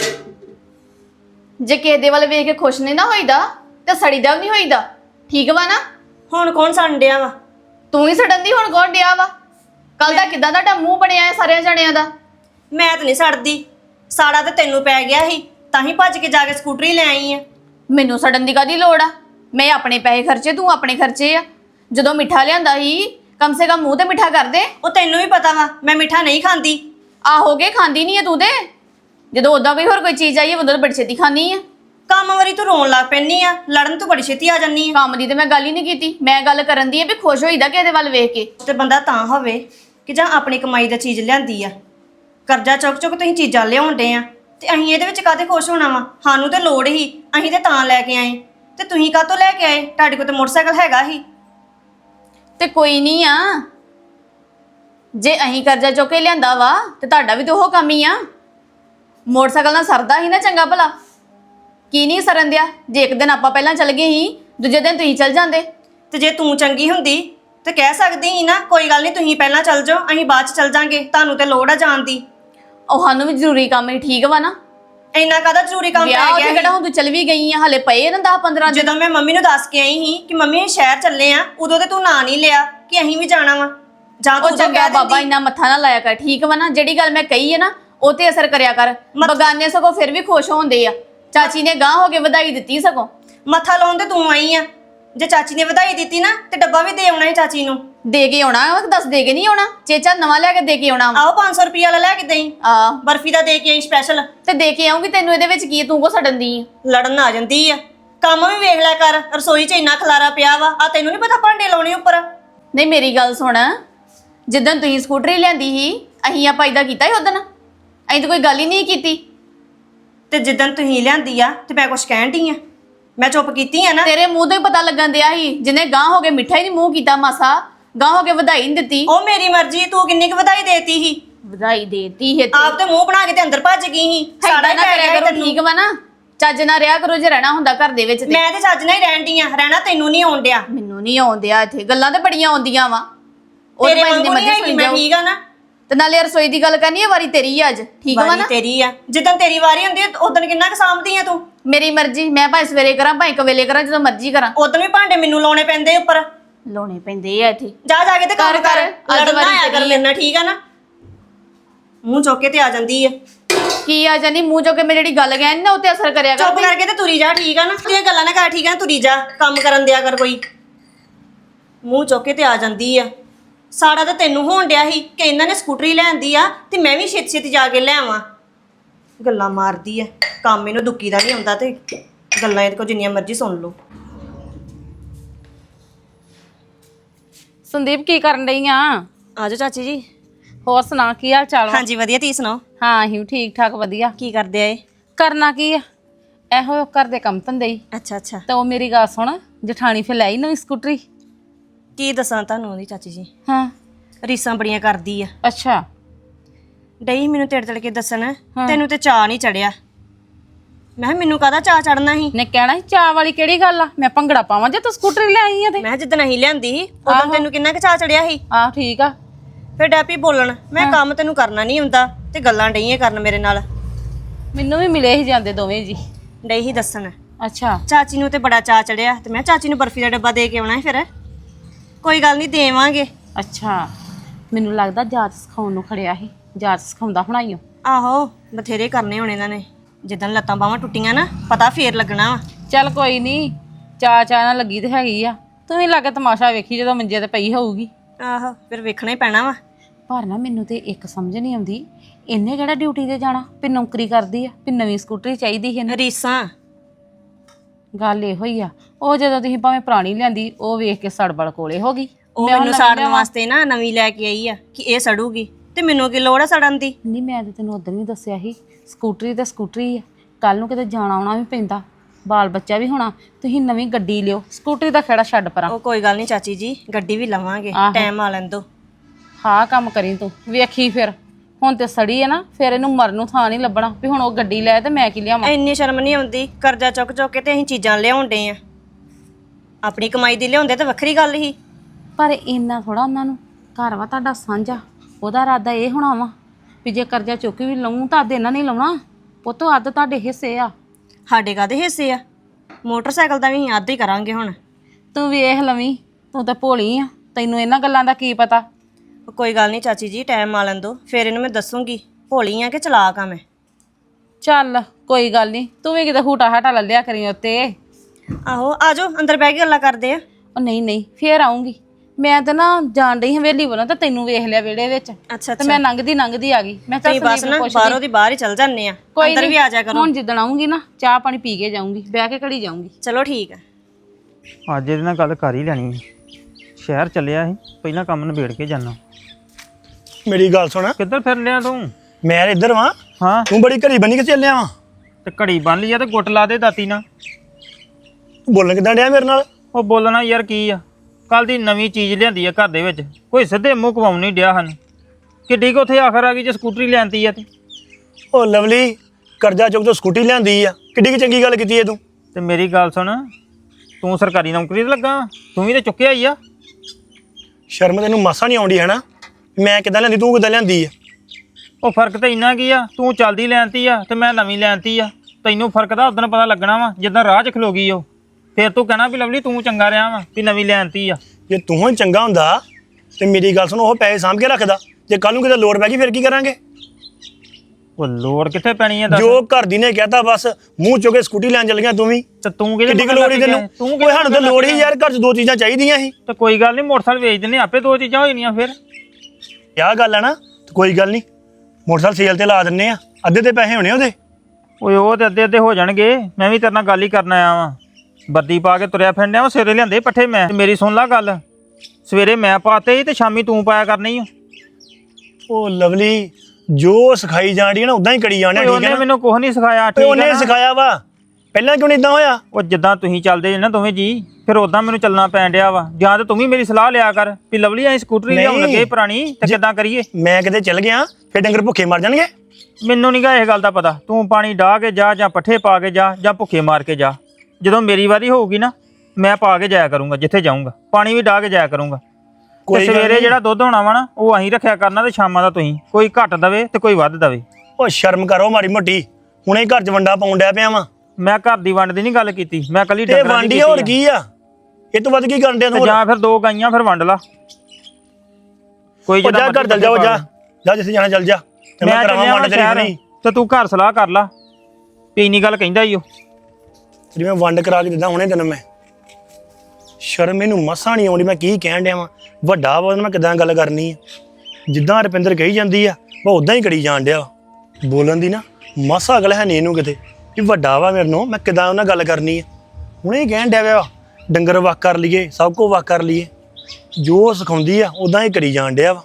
ਜੇ ਕਿਸੇ ਦੇ ਵੱਲ ਵੇਖ ਕੇ ਖੁਸ਼ ਨਹੀਂ ਨਾ ਹੋਈਦਾ ਤੇ ਸੜੀਦਾ ਵੀ ਨਹੀਂ ਹੋਈਦਾ। ਠੀਕ ਵਾ ਨਾ?
ਹੁਣ ਕੌਣ ਸੰਡਿਆ ਵਾ?
ਤੂੰ ਹੀ ਸੜਨ ਦੀ, ਹੁਣ ਕੌਣ ਡਿਆ ਵਾ? ਕੱਲ ਦਾ ਕਿਦਾਂ ਤੁਹਾਡਾ ਮੂੰਹ ਬਣਿਆ ਹੈ ਸਾਰਿਆਂ ਜਣਿਆਂ ਦਾ।
ਮੈਂ ਤਾਂ ਨਹੀਂ ਸੜਦੀ, ਸਾੜਾ ਤਾਂ ਤੈਨੂੰ ਪੈ ਗਿਆ ਸੀ ਤਾਂ ਹੀ ਭੱਜ ਕੇ ਜਾ ਕੇ ਸਕੂਟਰੀ ਲੈ ਆਈ ਆ।
ਮੈਨੂੰ ਸੜਨ ਦੀ ਕਾਹਦੀ ਲੋੜ ਆ? ਮੈਂ ਆਪਣੇ ਪੈਸੇ ਖਰਚੇ, ਤੂੰ ਆਪਣੇ ਖਰਚੇ ਆ। ਜਦੋਂ ਮਿੱਠਾ ਲਿਆਂਦਾ ਸੀ ਕਮ ਸੇ ਕਮ ਮੂੰਹ ਤੇ ਮਿੱਠਾ ਕਰ ਦੇ।
ਉਹ ਤੈਨੂੰ ਵੀ ਪਤਾ ਵਾ ਮੈਂ ਮਿੱਠਾ ਨਹੀਂ ਖਾਂਦੀ।
ਆਹੋਗੇ ਖਾਂਦੀ ਨਹੀਂ ਆ ਤੂੰ ਤੇ। ਜਦੋਂ ਉਦਾਂ ਕੋਈ ਹੋਰ ਕੋਈ ਚੀਜ਼ ਆਈ ਹੈ ਉਦੋਂ ਬੜੀ ਛੇਤੀ ਖਾਂਦੀ ਆ।
ਕੰਮ ਵਾਰੀ ਤੂੰ ਰੋਣ ਲੱਗ ਪੈਂਦੀ ਆ, ਲੜਨ ਤੂੰ ਬੜੀ ਛੇਤੀ ਆ ਜਾਂਦੀ ਆ।
ਕੰਮ ਦੀ ਤੇ ਮੈਂ ਗੱਲ ਹੀ ਨਹੀਂ ਕੀਤੀ। ਮੈਂ ਗੱਲ ਕਰਨ ਦੀ ਆ ਵੀ ਖੁਸ਼ ਹੋਈਦਾ ਕਿਸੇ ਦੇ ਵੱਲ ਵੇਖ ਕੇ।
ਤੇ ਬੰਦਾ ਤਾਂ ਹੋਵੇ ਕਿ ਜਾਂ ਆਪਣੀ ਕਮਾਈ ਦਾ ਚੀਜ਼ ਲਿਆਂਦੀ ਆ। ਕਰਜ਼ਾ ਚੁੱਕ ਚੁੱਕ ਤੁਸੀਂ ਚੀਜ਼ਾਂ ਲਿਆਉਂਦੇ ਆ ਤੇ ਅਸੀਂ ਇਹਦੇ ਵਿੱਚ ਕਾਹਦੇ ਖੁਸ਼ ਹੋਣਾ ਵਾ? ਸਾਨੂੰ ਤੇ ਲੋੜ ਹੀ, ਅਸੀਂ ਤੇ ਤਾਂ ਲੈ ਕੇ ਆਏ। ਤੇ ਤੁਸੀਂ ਕਾਹਤੋਂ ਲੈ ਕੇ ਆਏ? ਤੁਹਾਡੇ ਕੋਲ ਤੇ ਮੋਟਰਸਾਈਕਲ ਹੈਗਾ ਹੀ।
ਤੇ ਕੋਈ ਨਹੀਂ ਆ, ਜੇ ਅਸੀਂ ਕਰਜ਼ਾ ਚੁੱਕ ਕੇ ਲਿਆਂਦਾ ਵਾ ਤੇ ਤੁਹਾਡਾ ਵੀ ਤੇ ਉਹ ਕੰਮ ਹੀ ਆ। ਮੋਟਰਸਾਈਕਲ ਨਾਲ ਸਰਦਾ ਹੀ ਨਾ ਚੰਗਾ ਭਲਾ। ਕੀ ਨਹੀਂ ਸਰਨ ਦਿਆ? ਜੇ ਇੱਕ ਦਿਨ ਆਪਾਂ ਪਹਿਲਾਂ ਚੱਲ ਗਏ ਸੀ, ਦੂਜੇ ਦਿਨ ਤੁਸੀਂ ਚੱਲ ਜਾਂਦੇ।
ਤੇ ਜੇ ਤੂੰ ਚੰਗੀ ਹੁੰਦੀ ਤੇ ਕਹਿ ਸਕਦੀ ਸੀ ਨਾ ਕੋਈ ਗੱਲ ਨਹੀਂ ਤੁਸੀਂ ਪਹਿਲਾਂ ਚੱਲ ਜਾਓ, ਅਸੀਂ ਬਾਅਦ ਚ ਚੱਲ ਜਾਾਂਗੇ, ਤੁਹਾਨੂੰ ਤੇ ਲੋੜ ਆ ਜਾਣ ਦੀ।
ਉਹ ਸਾਨੂੰ ਵੀ ਜ਼ਰੂਰੀ ਕੰਮ ਹੀ। ਠੀਕ ਵਾ ਨਾ?
ਇੰਨਾ ਕਾਹਦਾ ਜ਼ਰੂਰੀ ਕੰਮ
ਵਿਆਹ
ਪੈ
ਉੱਥੇ
ਗਿਆ
ਕਿਹੜਾ ਹੁਣ ਤੂੰ ਚਲ ਵੀ ਗਈ ਆ ਹਲੇ ਪਏ ਨਾ 10-15 ਦਿਨ
ਜਦੋਂ ਮੈਂ ਮੰਮੀ ਨੂੰ ਦੱਸ ਕੇ ਆਈ ਸੀ ਕਿ ਮੰਮੀ ਅਸੀਂ ਸ਼ਹਿਰ ਚੱਲੇ ਆ ਉਦੋਂ ਤੇ ਤੂੰ ਨਾਂ ਨਹੀਂ ਲਿਆ ਕਿ ਅਸੀਂ ਵੀ ਜਾਣਾ ਵਾ ਜਾਂ
ਉਹ
ਤੂੰ ਉਦੋਂ
ਚੰਗਾ
ਕਹਿ
ਬਾਬਾ
ਦਿੰਦੀ
ਇੰਨਾ ਮੱਥਾ ਨਾ ਲਾਇਆ ਕਰ ਠੀਕ ਵਾ ਨਾ ਜਿਹੜੀ ਗੱਲ ਮੈਂ ਕਹੀ ਹੈ ਨਾ ਉਹ ਤੇ ਅਸਰ ਕਰਿਆ ਕਰ ਬਗਾਨੇ ਸਗੋਂ ਫਿਰ ਵੀ ਖੁਸ਼ ਹੁੰਦੇ ਆ ਚਾਚੀ ਨੇ ਗਾਂ ਹੋ ਕੇ ਵਧਾਈ ਦਿੱਤੀ ਸਗੋਂ
ਮੱਥਾ ਲਾਉਣ ਤੇ ਤੂੰ ਆਈ ਆ ਜੇ ਚਾਚੀ ਨੇ ਵਧਾਈ ਦਿੱਤੀ ਨਾ ਤੇ ਡੱਬਾ ਵੀ ਦੇ ਆਉਣਾ ਸੀ ਚਾਚੀ ਨੂੰ
ਦੇ ਕੇ ਆਉਣਾ ਵਾ, ਦੱਸ ਦੇ ਕੇ ਨਹੀਂ ਆਉਣਾ ਚੇਚਾ ਨਵਾਂ ਲੈ ਕੇ ਦੇ ਕੇ ਆਉਣਾ ਵਾ।
ਆਓ 500 ਰੁਪਿਆ ਲੈ ਕੇ ਦੇਈ
ਆ
ਬਰਫੀ ਦਾ ਦੇ ਕੇ ਆਈ ਸਪੈਸ਼ਲ
ਤੇ ਦੇ ਕੇ ਆਉਂਗੀ ਤੈਨੂੰ ਇਹਦੇ ਵਿੱਚ ਕੀ ਤੂੰ ਕੋ ਛੱਡਣ ਦੀ ਆ?
ਲੜਨ ਆ ਜਾਂਦੀ ਆ ਕੰਮ ਵੀ ਵੇਖ ਲਿਆ ਕਰ ਰਸੋਈ 'ਚ ਇੰਨਾ ਖਲਾਰਾ ਪਿਆ ਵਾ ਆ ਤੈਨੂੰ ਨਹੀਂ ਪਤਾ ਭਾਂਡੇ ਲਾਉਣੇ ਉੱਪਰ
ਨਹੀਂ ਮੇਰੀ ਗੱਲ ਸੁਣ ਜਿੱਦਣ ਤੁਸੀਂ ਸਕੂਟਰੀ ਲਿਆਂਦੀ ਸੀ ਅਸੀਂ ਆਪਾਂ ਇਦਾਂ ਕੀਤਾ ਹੀ ਉਦਣ ਅਸੀਂ ਤਾਂ ਕੋਈ ਗੱਲ ਹੀ ਨਹੀਂ ਕੀਤੀ
ਤੇ ਜਿੱਦਣ ਤੁਸੀਂ ਲਿਆਂਦੀ ਆ ਤੇ ਮੈਂ ਕੁਛ ਕਹਿਣ ਡਈ ਆ ਮੈਂ ਚੁੱਪ ਕੀਤੀ ਆ ਨਾ
ਤੇਰੇ ਮੂੰਹ ਤੋਂ ਹੀ ਪਤਾ ਲੱਗਣ ਦਿਆ ਸੀ ਜਿਹਨੇ ਗਾਂ ਹੋ ਕੇ ਮਿੱਠਾ ਹੀ ਨਹੀਂ ਮੂੰਹ ਕੀਤਾ ਮਾਸਾ ਗਾਂ ਹੋ ਕੇ ਵਧਾਈ ਨਹੀਂ ਦਿੱਤੀ
ਉਹ ਮੇਰੀ ਮਰਜ਼ੀ ਤੂੰ ਕਿੰਨੀ ਕੁ ਵਧਾਈ ਦੇਤੀ ਸੀ
ਵਧਾਈ ਦੇਤੀ ਹੈ
ਆਪ ਤੇ ਮੂੰਹ ਬਣਾ ਕੇ ਤੇ ਅੰਦਰ ਭੱਜ ਗਈ ਸੀ ਸਾਡਾ ਹੀ
ਨਾ
ਪੈ
ਕਰਿਆ
ਗਿਆ
ਕਰੋ
ਤੈਨੂੰ
ਠੀਕ ਵਾ ਨਾ ਚੱਜ ਨਾ ਰਿਹਾ ਕਰੋ ਜੇ ਰਹਿਣਾ ਹੁੰਦਾ ਘਰ ਦੇ ਵਿੱਚ ਤੇ
ਮੈਂ ਤੇ ਚੱਜ ਨਾਲ ਹੀ ਰਹਿਣ ਡਈ ਆ ਰਹਿਣਾ ਤੈਨੂੰ ਨਹੀਂ ਆਉਣ ਡਿਆ
ਮੈਨੂੰ ਨਹੀਂ ਆਉਂਦਿਆ ਇੱਥੇ ਗੱਲਾਂ ਤੇ ਬੜੀਆਂ ਆਉਂਦੀਆਂ ਵਾ ਉਹ
ਤੇਰੇ
ਭਾਈ
ਵਾਂਗੂ
ਜਿੰਨੀ
ਨਹੀਂ
ਮਰਜ਼ੀ
ਹੈਗੀ
ਸੁਣੀ
ਮੈਂ
ਜਾਓ
ਠੀਕ ਆ ਨਾ
ਤੇ ਨਾਲੇ ਰਸੋਈ ਦੀ ਗੱਲ ਕਰਨੀ ਹੈ ਵਾਰੀ ਤੇਰੀ ਆ ਅੱਜ ਠੀਕ ਵਾ
ਵਾਰੀ
ਨਾ
ਤੇਰੀ ਆ ਜਿੱਦਣ ਤੇਰੀ ਵਾਰੀ ਹੁੰਦੀ ਉਦੋਂ ਕਿੰਨਾ ਕੁ ਸਾਂਭਦੀ ਆ ਤੂੰ
ਮੇਰੀ ਮਰਜ਼ੀ ਮੈਂ ਭਾਵੇਂ ਸਵੇਰੇ ਕਰਾਂ ਭਾਵੇਂ ਕਵੇਲੇ ਕਰਾਂ ਜਦੋਂ ਮਰਜ਼ੀ ਕਰਾਂ
ਉਦੋਂ ਵੀ ਭਾਂਡੇ ਮੈਨੂੰ ਲਾਉਣੇ ਪੈਂਦੇ ਉੱਪਰ
ਲਾਉਣੇ ਪੈਂਦੇ ਆ ਇੱਥੇ
ਜਾ ਜਾ ਕੇ ਤੇ ਕੰਮ
ਕਰ,
ਕਰ
ਅੱਜ
ਲੜਨਾ
ਵਾਰੀ
ਆਇਆ ਕਰ
ਤੇਰੀ
ਮੇਰੇ ਨਾਲ ਠੀਕ ਆ ਨਾ ਮੂੰਹ ਚੁੱਕ ਕੇ ਤੇ ਆ ਜਾਂਦੀ ਆ
ਕੀ ਆ ਜਾਨੀ ਮੂੰਹ ਚੋਂ ਕੇ ਮੈਂ ਜਿਹੜੀ ਗੱਲ ਕਹਿਣੀ ਨਾ ਉੱਤੇ ਅਸਰ ਕਰਿਆ
ਚੁੱਪ
ਕਰ
ਕਰਕੇ ਤੇ ਤੁਰੀ ਜਾ ਠੀਕ ਆ ਨਾ ਤੇਰੀਆਂ ਗੱਲਾਂ ਨਾ ਕਰ ਠੀਕ ਆ ਨਾ ਤੁਰੀ ਜਾ ਕੰਮ ਕਰਨ ਦਿਆ ਕਰ ਕੋਈ ਮੂੰਹ ਚੁੱਕ ਕੇ ਤੇ ਆ ਜਾਂਦੀ ਆ ਸਾੜਾ ਤਾਂ ਤੈਨੂੰ ਹੋਣ ਡਿਆ ਸੀ ਕਿ ਇਹਨਾਂ ਨੇ ਸਕੂਟਰੀ ਲੈਂਦੀ ਆ ਤੇ ਮੈਂ ਵੀ ਛੇਤੀ ਛੇਤੀ ਜਾ ਕੇ ਲੈ ਆਵਾਂ ਗੱਲਾਂ ਮਾਰਦੀ ਆ ਕੰਮ ਇਹਨੂੰ ਦੁੱਕੀ ਦਾ ਨਹੀਂ ਆਉਂਦਾ ਤੇ ਗੱਲਾਂ ਇਹਦੇ ਕੋਲ ਜਿੰਨੀਆਂ ਮਰਜ਼ੀ ਸੁਣ ਲਓ
ਸੰਦੀਪ ਕੀ ਕਰਨ ਡਈ ਆ
ਆਜੋ ਚਾਚੀ ਜੀ
ਹੋਰ ਸੁਣਾ ਕੀ ਹਾਲ ਚਾਲ ਵਾ
ਹਾਂਜੀ ਵਧੀਆ ਤੁਸੀਂ ਸੁਣਾਓ
ਹਾਂ ਅਸੀਂ ਵੀ ਠੀਕ ਠਾਕ ਵਧੀਆ
ਕੀ ਕਰਦੇ ਆਏ
ਕਰਨਾ ਕੀ ਆ ਇਹੋ ਘਰ ਦੇ ਕੰਮ ਧੰਦੇ ਹੀ
ਅੱਛਾ ਅੱਛਾ
ਤੇ ਉਹ ਮੇਰੀ ਗੱਲ ਸੁਣ ਜਠਾਣੀ ਫਿਰ ਲੈ ਆਈ ਨਵੀਂ ਸਕੂਟਰੀ
ਕੀ ਦੱਸਾਂ ਤੁਹਾਨੂੰ ਉਹਦੀ ਚਾਚੀ ਜੀ
ਹਾਂ
ਰੀਸਾਂ ਬੜੀਆਂ ਕਰਦੀ ਆ
ਅੱਛਾ
ਡਈ ਮੈਨੂੰ ਤੇੜ ਤੜ ਕੇ ਦੱਸਣ ਤੈਨੂੰ ਤੇ ਚਾਹ ਨਹੀਂ ਚੜਿਆ ਮੈਂ ਕਿਹਾ ਮੈਨੂੰ ਕਾਹਦਾ ਚਾਹ ਚੜਨਾ ਸੀ
ਨੇ ਕਹਿਣਾ ਸੀ ਚਾਹ ਵਾਲੀ ਕਿਹੜੀ ਗੱਲ ਆ ਮੈਂ ਭੰਗੜਾ ਪਾਵਾਂ ਜੇ ਤੂੰ ਸਕੂਟਰੀ ਲੈ ਆਈ ਆ ਤੇ
ਮੈਂ ਕਿਹਾ ਜਿੱਦਣ ਅਸੀਂ ਲਿਆਂਦੀ ਸੀ ਉਦੋਂ ਤੈਨੂੰ ਕਿੰਨਾ ਕੁ ਚਾਹ ਚੜਿਆ ਸੀ
ਆਹ ਠੀਕ ਆ
ਫਿਰ ਡੈਪੀ ਬੋਲਣ ਮੈਂ ਕੰਮ ਤੈਨੂੰ ਕਰਨਾ ਨਹੀਂ ਹੁੰਦਾ ਤੇ ਗੱਲਾਂ ਡਈਆਂ ਕਰਨ ਮੇਰੇ ਨਾਲ
ਮੈਨੂੰ ਵੀ ਮਿਲੇ ਹੀ ਜਾਂਦੇ ਦੋਵੇਂ ਜੀ
ਡਈ ਹੀ ਦੱਸਣ
ਅੱਛਾ
ਚਾਚੀ ਨੂੰ ਤੇ ਬੜਾ ਚਾਹ ਚੜਿਆ ਤੇ ਮੈਂ ਚਾਚੀ ਨੂੰ ਬਰਫੀ ਦਾ ਡੱਬਾ ਦੇ ਕੇ ਆਉਣਾ ਫਿਰ ਕੋਈ ਗੱਲ ਨਹੀਂ ਦੇਵਾਂਗੇ
ਅੱਛਾ ਮੈਨੂੰ ਲੱਗਦਾ ਜਾਚ ਸਿਖਾਉਣ ਨੂੰ ਖੜਿਆ ਸੀ ਜਾਚ ਸਿਖਾਉਂਦਾ ਹੋਣਾਈਓ
ਆਹੋ ਬਥੇਰੇ ਕਰਨੇ ਹੋਣੇ ਇਹਨਾਂ ਨੇ ਜਿੱਦਣ ਲੱਤਾਂ ਬਾਹਾਂ ਟੁੱਟੀਆਂ ਨਾ ਪਤਾ ਫੇਰ ਲੱਗਣਾ ਵਾ
ਚੱਲ ਕੋਈ ਨਹੀਂ ਚਾਹ ਨਾਲ ਲੱਗੀ ਤੇ ਹੈਗੀ ਆ ਤੂੰ ਵੀ ਲੱਗੇ ਤਮਾਸ਼ਾ ਵੇਖੀ ਜਦੋਂ ਮੰਜੇ ਤੇ ਪਈ ਹੋਊਗੀ
ਆਹੋ ਫਿਰ ਵੇਖਣਾ ਹੀ ਪੈਣਾ ਵਾ
ਪਰ ਨਾ ਮੈਨੂੰ ਤੇ ਇੱਕ ਸਮਝ ਨਹੀਂ ਆਉਂਦੀ ਇਹਨੇ ਕਿਹੜਾ ਡਿਊਟੀ ਤੇ ਜਾਣਾ ਵੀ ਨੌਕਰੀ ਕਰਦੀ ਆ ਵੀ ਨਵੀਂ ਸਕੂਟਰੀ ਚਾਹੀਦੀ ਸੀ ਇਹਨੂੰ
ਰੀਸਾਂ
ਗੱਲ ਇਹੋ ਹੀ ਆ ਉਹ ਜਦੋਂ ਤੁਸੀਂ ਭਾਵੇਂ ਪੁਰਾਣੀ ਲਿਆਂਦੀ ਉਹ ਵੇਖ ਕੇ ਸੜਬੜ ਕੋਲੇ ਹੋ ਗਈ
ਉਹ ਮੈਨੂੰ ਸਾੜਨ ਵਾਸਤੇ ਨਾ ਨਵੀਂ ਲੈ ਕੇ ਆਈ ਆ ਕਿ ਇਹ ਸੜੂਗੀ ਤੇ ਮੈਨੂੰ ਕੀ ਲੋੜ ਆ ਸੜਨ ਦੀ
ਨਹੀਂ ਮੈਂ ਤੇ ਤੈਨੂੰ ਉਦੋਂ ਵੀ ਦੱਸਿਆ ਸੀ ਸਕੂਟਰੀ ਤੇ ਸਕੂਟਰੀ ਆ ਕੱਲ ਨੂੰ ਕਿਤੇ ਜਾਣਾ ਆਉਣਾ ਵੀ ਪੈਂਦਾ ਬਾਲ ਬੱਚਾ ਵੀ ਹੋਣਾ ਤੁਸੀਂ ਨਵੀਂ ਗੱਡੀ ਲਿਓ ਸਕੂਟਰੀ ਦਾ ਖੇੜਾ ਛੱਡ ਪਰਾਂ
ਉਹ ਕੋਈ ਗੱਲ ਨਹੀਂ ਚਾਚੀ ਜੀ ਗੱਡੀ ਵੀ ਲਵਾਂਗੇ ਟਾਈਮ ਆ ਲੈਣ ਦੋ
ਹਾਂ ਕੰਮ ਕਰੀ ਤੂੰ ਵੇਖੀ ਫਿਰ ਹੁਣ ਤੇ ਸੜੀ ਹੈ ਨਾ ਫਿਰ ਇਹਨੂੰ ਮਰਨ ਨੂੰ ਥਾਂ ਨਹੀਂ ਲੱਭਣਾ ਵੀ ਹੁਣ ਉਹ ਗੱਡੀ ਲੈ ਤੇ ਮੈਂ ਕੀ ਲਿਆਵਾਂ
ਇੰਨੀ ਸ਼ਰਮ ਨਹੀਂ ਆਉਂਦੀ ਕਰਜ਼ਾ ਚੁੱਕ ਚੁੱਕ ਕੇ ਤੇ ਅਸੀਂ ਚੀਜ਼ਾਂ ਲਿਆਉਂਦੇ ਆ ਆਪਣੀ ਕਮਾਈ ਦੀ ਲਿਆਉਂਦੇ ਤਾਂ ਵੱਖਰੀ ਗੱਲ ਹੀ
ਪਰ ਇੰਨਾ ਥੋੜਾ ਉਹਨਾਂ ਨੂੰ ਘਰ ਵਾ ਤੁਹਾਡਾ ਸਾਂਝਾ ਉਹਦਾ ਇਰਾਦਾ ਇਹ ਹੋਣਾ ਵਾ ਵੀ ਜੇ ਕਰਜ਼ਾ ਚੁੱਕ ਵੀ ਲਊਂ ਤਾਂ ਅੱਧ ਇਹਨਾਂ ਨਹੀਂ ਲਾਉਣਾ ਪੁੱਤੋ ਅੱਧ ਤੁਹਾਡੇ ਹਿੱਸੇ ਆ
ਸਾਡੇ ਕਾਹਦੇ ਹਿੱਸੇ ਆ ਮੋਟਰਸਾਈਕਲ ਦਾ ਵੀ ਅਸੀਂ ਅੱਧ ਹੀ ਕਰਾਂਗੇ ਹੁਣ
ਤੂੰ ਵੇਖ ਲਵੀਂ ਤੂੰ ਤਾਂ ਭੋਲੀ ਆ ਤੈਨੂੰ ਇਹਨਾਂ ਗੱਲਾਂ ਦਾ ਕੀ ਪਤਾ
ਕੋਈ ਗੱਲ ਨਹੀਂ ਚਾਚੀ ਜੀ ਟਾਈਮ ਆ ਲੈਣ ਦੋ ਫਿਰ ਇਹਨੂੰ ਮੈਂ ਦੱਸੂਗੀ ਭੋਲੀ ਆ ਕਿ ਚਲਾਕ ਆ ਮੈਂ
ਚੱਲ ਕੋਈ ਗੱਲ ਨਹੀਂ ਤੂੰ ਵੀ ਕਿਤੇ ਹੂਟਾ ਹਾਟਾ ਲੈ ਲਿਆ ਕਰੀ ਉੱਤੇ
ਆਹੋ ਆਜੋ ਅੰਦਰ ਬਹਿ ਕੇ ਗੱਲਾਂ ਕਰਦੇ ਆ
ਉਹ ਨਹੀਂ ਫੇਰ ਆਉਂਗੀ ਮੈਂ ਤਾਂ ਨਾ ਜਾਣ ਡਈ ਹਵੇਲੀ ਵੱਲੋਂ ਤਾਂ ਤੈਨੂੰ ਵੇਖ ਲਿਆ ਵਿਹੜੇ ਵਿੱਚ
ਅੱਛਾ
ਤੇ ਮੈਂ ਲੰਘਦੀ ਆ ਗਈ ਮੈਂ
ਤੁਸੀਂ
ਚੱਲ
ਬਸ ਨਾ ਬਾਹਰੋਂ ਦੀ ਬਾਹਰ ਹੀ ਚੱਲ ਜਾਂਦੇ ਆ ਅੰਦਰ ਵੀ ਆ ਜਾ ਕਰੋ
ਹੁਣ ਜਿੱਦਣ ਆਉਂਗੀ ਨਾ ਚਾਹ ਪਾਣੀ ਪੀ ਕੇ ਜਾਊਂਗੀ ਬਹਿ ਕੇ ਘੜੀ ਜਾਊਂਗੀ
ਚਲੋ ਠੀਕ ਆ
ਅੱਜ ਇਹਦੇ ਨਾਲ ਗੱਲ ਕਰ ਹੀ ਲੈਣੀ ਹੈ ਸ਼ਹਿਰ ਚੱਲਿਆ ਸੀ ਪਹਿਲਾਂ ਕੰਮ ਨਿਬੇੜ ਕੇ ਜਾਣਾ
ਮੇਰੀ ਗੱਲ ਸੁਣ
ਕਿੱਧਰ ਫਿਰ ਲਿਆ ਤੂੰ
ਮੈਂ ਇੱਧਰ ਵਾਂ
ਹਾਂ
ਤੂੰ ਬੜੀ ਘੜੀ ਬਣੀ ਕਿ ਚੱਲਿਆ ਵਾਂ
ਤੇ ਘੜੀ ਬੰਨ ਲਈ ਆ ਤੇ ਗੁੱਟ ਲਾ ਦੇ ਦਾਤੀ ਨਾਲ
ਬੋਲਣ ਕਿੱਦਾਂ ਡਿਆ ਮੇਰੇ ਨਾਲ
ਉਹ ਬੋਲਣਾ ਯਾਰ ਕੀ ਆ ਕੱਲ ਦੀ ਨਵੀਂ ਚੀਜ਼ ਲਿਆਂਦੀ ਆ ਘਰ ਦੇ ਵਿੱਚ ਕੋਈ ਸਿੱਧੇ ਮੂੰਹ ਕਵਾਉਣ ਨਹੀਂ ਡਿਆ ਹਨ ਕਿੱਡੀ ਕੁ ਉੱਥੇ ਆਖਰ ਆ ਗਈ ਜੇ ਸਕੂਟਰੀ ਲੈਂਦੀ ਆ ਤੇ
ਉਹ ਲਵਲੀ ਕਰਜ਼ਾ ਚੁੱਕ ਤੋਂ ਸਕੂਟੀ ਲਿਆਂਦੀ ਆ ਕਿੱਡੀ ਕੀ ਚੰਗੀ ਗੱਲ ਕੀਤੀ ਏ ਤੂੰ
ਤੇ ਮੇਰੀ ਗੱਲ ਸੁਣ ਤੂੰ ਸਰਕਾਰੀ ਨੌਕਰੀ ਤੇ ਲੱਗਾ ਤੂੰ ਵੀ ਤੇ ਚੁੱਕਿਆ ਹੀ ਆ
ਸ਼ਰਮ ਤੈਨੂੰ ਮਾਸਾ ਨਹੀਂ ਆਉਂਦੀ ਹੈ ਨਾ ਮੈਂ ਕਿੱਦਾਂ ਲਿਆਂਦੀ ਤੂੰ ਕਿੱਦਾਂ ਲਿਆਂਦੀ ਆ
ਉਹ ਫਰਕ ਤਾਂ ਇੰਨਾ ਕੀ ਆ, ਤੂੰ ਚੱਲਦੀ ਲੈਣਤੀ ਆ ਤੇ ਮੈਂ ਨਵੀਂ ਲੈਣਤੀ ਆ। ਤੈਨੂੰ ਫਰਕ ਦਾ ਉਦੋਂ ਪਤਾ ਲੱਗਣਾ ਵਾ ਜਿੱਦਾਂ ਰਾਹ 'ਚ ਖਲੋ ਗਈ ਉਹ। ਫਿਰ ਤੂੰ ਕਹਿਣਾ ਵੀ ਲਵਲੀ ਤੂੰ ਚੰਗਾ ਰਿਹਾ ਵਾ ਵੀ ਨਵੀਂ ਲੈਣਤੀ ਆ।
ਜੇ ਤੂੰ ਹੀ ਚੰਗਾ ਹੁੰਦਾ ਤੇ ਮੇਰੀ ਗੱਲ ਸੁਣ, ਉਹ ਪੈਸੇ ਸਾਂਭ ਕੇ ਰੱਖਦਾ। ਜੇ ਕੱਲ ਨੂੰ ਕਿਤੇ ਲੋੜ ਪੈ ਗਈ ਫਿਰ ਕੀ ਕਰਾਂਗੇ?
ਉਹ ਲੋੜ ਕਿੱਥੇ ਪੈਣੀ ਆ ਦੱਸ?
ਜੋ ਘਰ ਦੀ ਨੇ ਕਹਿਤਾ ਬਸ ਮੂੰਹ ਚੁੱਕ ਕੇ ਸਕੂਟੀ ਲੈਣ ਚੱਲ ਗਿਆ ਤੂੰ ਵੀ।
ਤੇ ਤੂੰ ਕਿਹਦੇ
ਕਿੱਡੀ ਕੁ ਲੋੜ ਹੀ ਤੈਨੂੰ?
ਤੂੰ
ਓਏ ਸਾਨੂੰ ਤਾਂ ਲੋੜ ਹੀ ਯਾਰ, ਘਰ 'ਚ 2 ਚੀਜ਼ਾਂ ਚਾਹੀਦੀਆਂ ਸੀ।
ਤੇ ਕੋਈ ਗੱਲ ਨਹੀਂ, ਮੋਟਰਸਾਈਕਲ ਵੇਚ ਦਿੰਦੇ ਆਪੇ 2 ਚੀਜ਼ਾਂ ਹੋ ਜਾਣੀਆਂ ਫਿਰ।
ਆਹ ਗੱਲ ਹੈ ਨਾ, ਤੇ ਕੋਈ ਗੱਲ ਨਹੀਂ, ਮੋਟਰਸਾਈਕਲ ਸੇਲ ਤੇ ਲਾ ਦਿੰਨੇ ਆ, ਅੱਧੇ ਤੇ ਪੈਸੇ ਹੋਣੇ ਉਹਦੇ।
ਓਏ ਉਹ ਤੇ ਅੱਧੇ ਹੋ ਜਾਣਗੇ। ਮੈਂ ਵੀ ਤੇਰੇ ਨਾਲ ਗੱਲ ਹੀ ਕਰਨ ਆਇਆ ਵਾਂ। ਵਰਦੀ ਪਾ ਕੇ ਤੁਰਿਆ ਫਿਰਨਿਆ ਵਾ, ਸਵੇਰੇ ਲਿਆਂਦੇ ਪੱਠੇ ਮੈਂ। ਮੇਰੀ ਸੁਣ ਲੈ ਗੱਲ, ਸਵੇਰੇ ਮੈਂ ਪਾਤੇ ਤੇ ਸ਼ਾਮੀ ਤੂੰ ਪਾਇਆ ਕਰਨੀ ਆ।
ਉਹ ਲਵਲੀ ਜੋ ਸਿਖਾਈ ਜਾਣੀ ਹੈ ਨਾ ਉਦਾਂ ਹੀ ਕਰੀ ਜਾਣਾ, ਠੀਕ ਹੈ
ਉਹਨੇ
ਨਾ?
ਮੈਨੂੰ ਕੁਝ ਨਹੀਂ ਸਿਖਾਇਆ, ਠੀਕ
ਉਹਨੇ
ਹੈ ਨਾ?
ਸਿਖਾਇਆ ਵਾ, ਪਹਿਲਾਂ ਕਿਉਂ ਨਹੀਂ ਇਦਾਂ ਹੋਇਆ?
ਉਹ ਜਿੱਦਾਂ ਤੁਸੀਂ ਚੱਲਦੇ ਜੇ ਨਾ ਦੋਵੇਂ ਜੀ, ਫਿਰ ਉਦਾਂ ਮੈਨੂੰ ਚੱਲਣਾ ਪੈਣ ਡਿਆ ਵਾ। ਜਾਂ ਤੇ ਤੂੰ ਵੀ ਮੇਰੀ ਸਲਾਹ ਲਿਆ ਕਰ ਵੀ ਲਵਲੀ ਅਸੀਂ ਸਕੂਟਰੀ ਲਿਆਉਣ ਲੱਗੇ ਪੁਰਾਣੀ ਤੇ ਕਿੱਦਾਂ ਕਰੀਏ।
ਮੈਂ ਕਿਤੇ ਚੱਲ ਗਿਆ ਫਿਰ ਡੰਗਰ ਭੁੱਖੇ ਮਰ ਜਾਣਗੇ।
ਮੈਨੂੰ ਨਹੀਂ ਗਾ ਇਹ ਗੱਲ ਦਾ ਪਤਾ। ਤੂੰ ਪਾਣੀ ਡਾਹ ਕੇ ਜਾ ਜਾਂ ਪੱਠੇ ਪਾ ਕੇ ਜਾ ਜਾਂ ਭੁੱਖੇ ਮਾਰ ਕੇ ਜਾ। ਜਦੋਂ ਮੇਰੀ ਵਾਰੀ ਹੋਊਗੀ ਨਾ, ਮੈਂ ਪਾ ਕੇ ਜਾਇਆ ਕਰੂੰਗਾ ਜਿੱਥੇ ਜਾਊਂਗਾ, ਪਾਣੀ ਵੀ ਡਾਹ ਕੇ ਜਾਇਆ ਕਰੂੰਗਾ। ਤੇ ਸਵੇਰੇ ਜਿਹੜਾ ਦੁੱਧ ਹੋਣਾ ਵਾ ਨਾ ਉਹ ਅਸੀਂ ਰੱਖਿਆ ਕਰਨਾ, ਤੇ ਸ਼ਾਮਾਂ ਦਾ ਤੁਸੀਂ, ਕੋਈ ਘੱਟ ਦਵੇ ਤੇ ਕੋਈ ਵੱਧ ਦਵੇ।
ਉਹ ਸ਼ਰਮ ਕਰੋ ਮਾੜੀ ਮੋਟੀ, ਹੁਣੇ ਘਰ 'ਚ ਵੰਡਾ ਪਾਉਣ ਡਿਆ ਪਿਆ ਵਾਂ।
ਮੈਂ ਘਰ ਦੀ ਵੰਡ ਦੀ ਨਹੀਂ ਗੱਲ ਕੀਤੀ, ਮੈਂ ਕੱਲੀ
ਤੇ
ਡੰਗਰਾਂ ਦੀ
ਵੰਡੀ
ਕੀਤੀ
ਹੋਰ
ਆ।
ਕੀ ਆ? ਇਹ ਤੋਂ ਵੱਧ ਕੀ ਕਰਨ ਡਿਆ
ਤੇ
ਤੂੰ?
ਜਾਂ ਫਿਰ 2 ਗਾਈਆਂ ਫਿਰ ਵੰਡ ਲਾ। ਕੋਈ
ਜਾ ਘਰ ਚੱਲ ਜਾਓ, ਜਾ ਜਿੱਥੇ ਜਾਣਾ ਚੱਲ ਜਾ। ਤੇ
ਮੈਂ
ਕਰਾਵਾਂ ਵੰਡ ਤੇਰੀ
ਸ਼ਹਿਰ,
ਹੁਣੀ।
ਤੇ ਤੂੰ ਘਰ ਸਲਾਹ ਕਰ ਲਾ ਵੀ ਇੰਨੀ ਗੱਲ ਕਹਿੰਦਾ ਈ ਉਹ।
ਤੇਰੀ ਮੈਂ ਵੰਡ ਕਰਾ ਕੇ ਦਿੰਦਾ ਹੁਣੇ ਤੈਨੂੰ ਮੈਂ। ਸ਼ਰਮ ਇਹਨੂੰ ਮਸਾਂ ਨਹੀਂ ਆਉਂਦੀ, ਮੈਂ ਕੀ ਕਹਿਣ ਡਿਆ ਵਾਂ। ਵੱਡਾ ਵਾ, ਮੈਂ ਕਿੱਦਾਂ ਗੱਲ ਕਰਨੀ ਆ? ਜਿੱਦਾਂ ਰੁਪਿੰਦਰ ਕਹੀ ਜਾਂਦੀ ਆ ਉਹ ਉਦਾਂ ਹੀ ਕਰੀ ਜਾਣ ਡਿਆ। ਬੋਲਣ ਦੀ ਨਾ ਮਸਾ ਅਗਲ ਹੈ ਨਹੀਂ ਇਹਨੂੰ ਕਿਤੇ ਵੀ ਵੱਡਾ ਵਾ ਮੇਰੇ ਨੂੰ, ਮੈਂ ਕਿੱਦਾਂ ਉਹਨਾਂ ਗੱਲ ਕਰਨੀ ਆ। ਹੁਣੇ ਹੀ ਕਹਿਣ ਡਿਆ ਵਾ ਡੰਗਰ ਵਾਕ ਕਰ ਲਈਏ, ਸਭ ਕੁਝ ਵਾਕ ਕਰ ਲਈਏ। ਜੋ ਸਿਖਾਉਂਦੀ ਆ ਉਦਾਂ ਹੀ ਕਰੀ ਜਾਣ ਡਿਆ ਵਾ।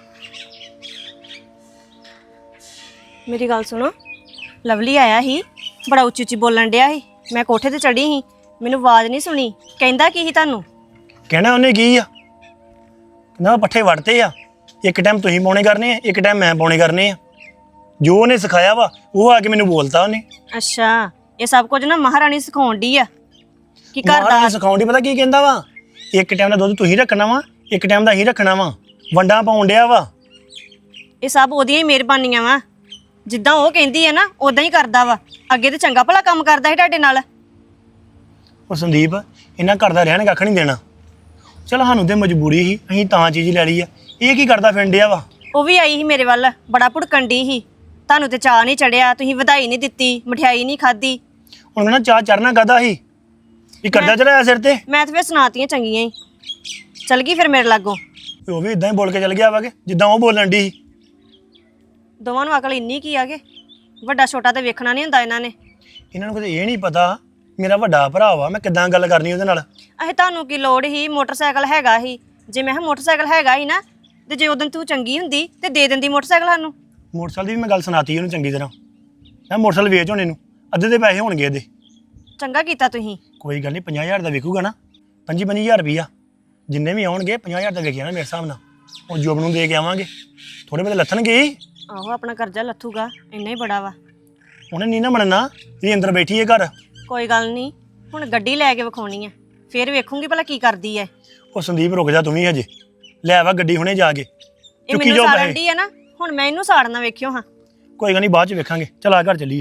ਮੇਰੀ ਗੱਲ ਸੁਣੋ, ਲਵਲੀ ਆਇਆ ਸੀ, ਬੜਾ ਉੱਚੀ ਉੱਚੀ ਬੋਲਣ ਡਿਆ ਸੀ। ਮੈਂ ਕੋਠੇ ਤੇ ਚੜੀ ਸੀ, ਮੈਨੂੰ ਆਵਾਜ਼ ਨਹੀਂ ਸੁਣੀ। ਕਹਿੰਦਾ ਕੀ ਸੀ ਤੁਹਾਨੂੰ?
ਕਹਿਣਾ ਉਹਨੇ ਕੀ ਆ? ਕਹਿੰਦਾ ਪੱਠੇ ਵੜਤੇ ਆ, ਇੱਕ ਟਾਈਮ ਤੁਸੀਂ ਪਾਉਣੇ ਕਰਨੇ ਆ, ਇੱਕ ਟਾਈਮ ਮੈਂ ਪਾਉਣੇ ਕਰਨੇ ਆ। ਜੋ ਉਹਨੇ ਸਿਖਾਇਆ ਵਾ ਉਹ ਆ ਕੇ ਮੈਨੂੰ ਬੋਲਤਾ ਉਹਨੇ।
ਅੱਛਾ, ਇਹ ਸਭ ਕੁਝ ਨਾ ਮਹਾਰਾਣੀ ਸਿਖਾਉਣ ਡਈ ਆ ਕਿ ਘਰ
ਮਹਾਰਾਣੀ
ਦਾ
ਸਿਖਾਉਣ ਦੀ ਪਤਾ ਕੀ ਕਹਿੰਦਾ ਵਾ? ਇੱਕ ਟਾਈਮ ਦਾ ਦੁੱਧ ਤੁਸੀਂ ਰੱਖਣਾ ਵਾ, ਇੱਕ ਟਾਈਮ ਦਾ ਅਸੀਂ ਰੱਖਣਾ ਵਾ। ਵੰਡਾ ਪਾਉਣ ਡਿਆ ਵਾ।
ਇਹ ਸਭ ਉਹਦੀਆਂ ਹੀ ਮਿਹਰਬਾਨੀਆਂ ਵਾ। ਜਿੱਦਾਂ ਉਹ ਕਹਿੰਦੀ ਹੈ ਨਾ ਉਦਾਂ ਹੀ ਕਰਦਾ ਵਾ। ਅੱਗੇ ਤੇ ਚੰਗਾ ਭਲਾ ਕੰਮ ਕਰਦਾ ਸੀ ਤੁਹਾਡੇ ਨਾਲ।
ਉਹ ਸੰਦੀਪ ਇਹਨਾਂ ਘਰ ਦਾ ਰਹਿਣ ਕੱਖ ਨਹੀਂ ਦੇਣਾ। ਚਲ ਸਾਨੂੰ ਤੇ ਮਜਬੂਰੀ ਸੀ, ਅਸੀਂ ਤਾਂ ਚੀਜ਼ ਲੈ ਲਈ ਆ। ਇਹ ਕੀ ਕਰਦਾ ਫਿਰਨ ਡਿਆ ਵਾ?
ਉਹ ਵੀ ਆਈ ਸੀ ਮੇਰੇ ਵੱਲ, ਬੜਾ ਭੁੜਕਣ ਡਈ ਸੀ। ਤੁਹਾਨੂੰ ਤੇ ਚਾਹ ਨਹੀਂ ਚੜਿਆ, ਤੁਸੀਂ ਵਧਾਈ ਨਹੀਂ ਦਿੱਤੀ, ਮਠਿਆਈ ਨਹੀਂ ਖਾਧੀ।
ਹੁਣ ਕਹਿੰਦਾ ਚਾਹ ਚੜਨਾ ਕਾਹਦਾ ਸੀ? ਇਹ ਕਰਦਾ ਚੜਾਇਆ ਸਿਰ ਤੇ।
ਮੈਂ ਤੇ ਫਿਰ ਸੁਣਾਤੀਆਂ ਚੰਗੀਆਂ ਹੀ। ਚਲ ਗਈ ਫਿਰ ਮੇਰੇ ਲਾਗੋਂ।
ਉਹ ਵੀ ਇਦਾਂ ਹੀ ਬੋਲ ਕੇ ਚਲ ਗਿਆ ਵਾ ਕਿ ਜਿੱਦਾਂ ਉਹ ਬੋਲਣ ਦੀ ਸੀ।
ਦੋਵਾਂ ਨੂੰ ਅਕਲ ਇੰਨੀ ਕੀ ਆ ਕਿ ਵੱਡਾ ਛੋਟਾ ਤੇ ਵੇਖਣਾ ਨਹੀਂ ਹੁੰਦਾ ਇਹਨਾਂ ਨੇ।
ਇਹਨਾਂ ਨੂੰ ਕਦੇ ਇਹ ਨਹੀਂ ਪਤਾ ਮੇਰਾ ਵੱਡਾ ਭਰਾ ਵਾ, ਮੈਂ ਕਿੱਦਾਂ ਗੱਲ ਕਰਨੀ ਉਹਦੇ ਨਾਲ।
ਅਹੇ ਤੁਹਾਨੂੰ ਕੀ ਲੋੜ ਸੀ? ਮੋਟਰਸਾਈਕਲ ਹੈਗਾ ਸੀ। ਜੇ ਮੈਂ ਕਿਹਾ ਮੋਟਰਸਾਈਕਲ ਹੈਗਾ ਸੀ ਨਾ, ਤੇ ਜੇ ਉਦੋਂ ਤੂੰ ਚੰਗੀ ਹੁੰਦੀ ਤੇ ਦੇ ਦਿੰਦੀ ਮੋਟਰਸਾਈਕਲ ਸਾਨੂੰ।
ਮੋਟਰਸਾਈਕਲ ਦੀ ਵੀ ਮੈਂ ਗੱਲ ਸੁਣਾਤੀ ਉਹਨੂੰ ਚੰਗੀ ਤਰ੍ਹਾਂ। ਮੈਂ ਮੋਟਰਸਾਈਕਲ ਵੇਚ ਹੋਣੇ ਨੂੰ, ਅੱਧੇ ਦੇ ਪੈਸੇ ਹੋਣਗੇ ਇਹਦੇ।
ਚੰਗਾ ਕੀਤਾ ਤੁਸੀਂ।
ਕੋਈ ਗੱਲ ਨਹੀਂ, 50,000 ਦਾ ਵਿਕੂਗਾ ਨਾ, 25,000 ਰੁਪਈਆ ਜਿੰਨੇ ਵੀ ਆਉਣਗੇ 50,000 ਦਾ ਵਿਕ ਜਾਣਾ ਮੇਰੇ ਹਿਸਾਬ ਨਾਲ। ਉਹ ਜੋਬ ਨੂੰ ਦੇ ਕੇ ਆਵਾਂਗੇ, ਥੋੜੇ ਬਹੁਤੇ ਲੱਥਣਗੇ ਹੀ।
ਆਹੋ, ਆਪਣਾ ਕਰਜ਼ਾ ਲੱਥੂਗਾ, ਇੰਨਾ ਹੀ ਬੜਾ ਵਾ।
ਉਹਨੇ ਨਹੀਂ ਨਾ ਮੰਨਣਾ ਵੀ ਅੰਦਰ ਬੈਠੀ ਹੈ ਘਰ।
ਕੋਈ ਗੱਲ ਨਹੀਂ, ਹੁਣ ਗੱਡੀ ਲੈ ਕੇ ਵਿਖਾਉਣੀ ਆ, ਫਿਰ ਵੇਖੂੰਗੀ ਭਲਾ ਕੀ ਕਰਦੀ ਐ।
ਉਹ ਸੰਦੀਪ ਰੁਕ ਜਾ ਤੂੰ ਵੀ ਹਜੇ, ਲੈ ਆਵਾ ਗੱਡੀ ਹੁਣੇ ਜਾ ਕੇ।
ਇਹ ਮੈਨੂੰ ਸਾੜਨ ਦੀ ਆ ਨਾ, ਹੁਣ ਮੈਂ ਇਹਨੂੰ ਸਾੜਨਾ ਵੇਖਿਓ ਹਾਂ।
ਕੋਈ ਗੱਲ ਨਹੀਂ, ਬਾਅਦ ਚ ਵੇਖਾਂਗੇ। ਚਲ ਆ ਘਰ ਚੱਲੀਏ।